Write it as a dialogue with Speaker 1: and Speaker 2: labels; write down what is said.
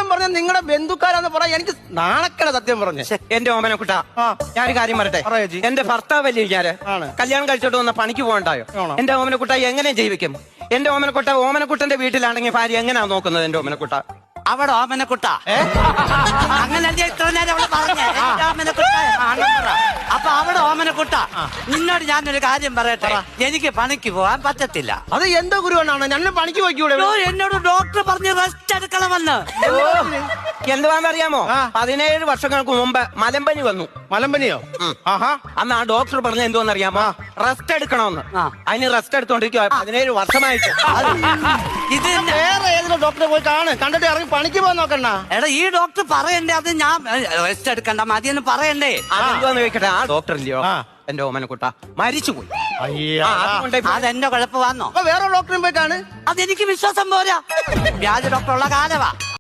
Speaker 1: സത്യം പറഞ്ഞ നിങ്ങളുടെ ബന്ധുക്കാരാന്ന് പറയാൻ എനിക്ക് നാണക്കല സത്യം പറഞ്ഞ.
Speaker 2: എന്റെ ഓമനക്കുട്ട, ഞാനൊരു കാര്യം പറയട്ടെ. എന്റെ ഭർത്താവല്ലേ ഞാന് കല്യാണം കഴിച്ചോട്ട് വന്ന പണിക്ക് പോകണ്ടായോ? എന്റെ ഓമനക്കുട്ട എങ്ങനെ ജീവിക്കും? എന്റെ ഓമനക്കുട്ട ഓമനക്കുട്ടന്റെ വീട്ടിലാണെങ്കിൽ ഭാര്യ എങ്ങനെയാ നോക്കുന്നത്? എന്റെ ഓമനക്കുട്ട
Speaker 3: അവിടെ ഓമനക്കുട്ട അങ്ങനെ ഇത്ര നേരം അവള് പറഞ്ഞേ ഓമനക്കുട്ട. അപ്പൊ അവിടെ ഓമനക്കുട്ട, നിന്നോട് ഞാനൊരു കാര്യം പറയട്ടെ. എനിക്ക് പണിക്ക് പോകാൻ പറ്റത്തില്ല.
Speaker 1: അത് എന്തോ ഗുരുവനാണ്? ഞാൻ പണിക്ക് പോയിക്കൂടെ?
Speaker 3: എന്നോട് ഡോക്ടർ പറഞ്ഞ് റെസ്റ്റ് എടുക്കണമെന്ന്.
Speaker 2: എന്തുവാന്നറിയാമോ? 17 വർഷങ്ങൾക്ക് മുമ്പ് മലമ്പനി വന്നു.
Speaker 1: മലമ്പനിയോ?
Speaker 2: അന്ന് ആ ഡോക്ടർ പറഞ്ഞ എന്തോന്നറിയാമോ? റെസ്റ്റ് എടുക്കണമെന്ന്. അതിന് റെസ്റ്റ് എടുത്തോണ്ടിരിക്കുക 17 വർഷമായിട്ട്.
Speaker 3: ഇത്
Speaker 1: വേറെ ഏതെങ്കിലും ഡോക്ടറെ പോയി കണ്ടിട്ട് ഇറങ്ങി പണിക്ക് പോകാൻ നോക്കണ്ട.
Speaker 3: എടാ, ഈ ഡോക്ടർ പറയണ്ടേ? അത് ഞാൻ റെസ്റ്റ് എടുക്കണ്ട മതിയെന്ന് പറയണ്ടേ?
Speaker 2: അതെന്തോന്ന് ചോദിക്കട്ടെ, ആ ഡോക്ടർ ഇല്ലയോ എന്റെ ഓമനക്കുട്ട മരിച്ചുപോയി.
Speaker 3: അതെന്റെ കുഴപ്പമാണോ?
Speaker 1: വേറെ ഡോക്ടറെ പോയി
Speaker 3: അതെനിക്ക് വിശ്വാസം പോരാ. വ്യാജ ഡോക്ടറുള്ള കാലവാ.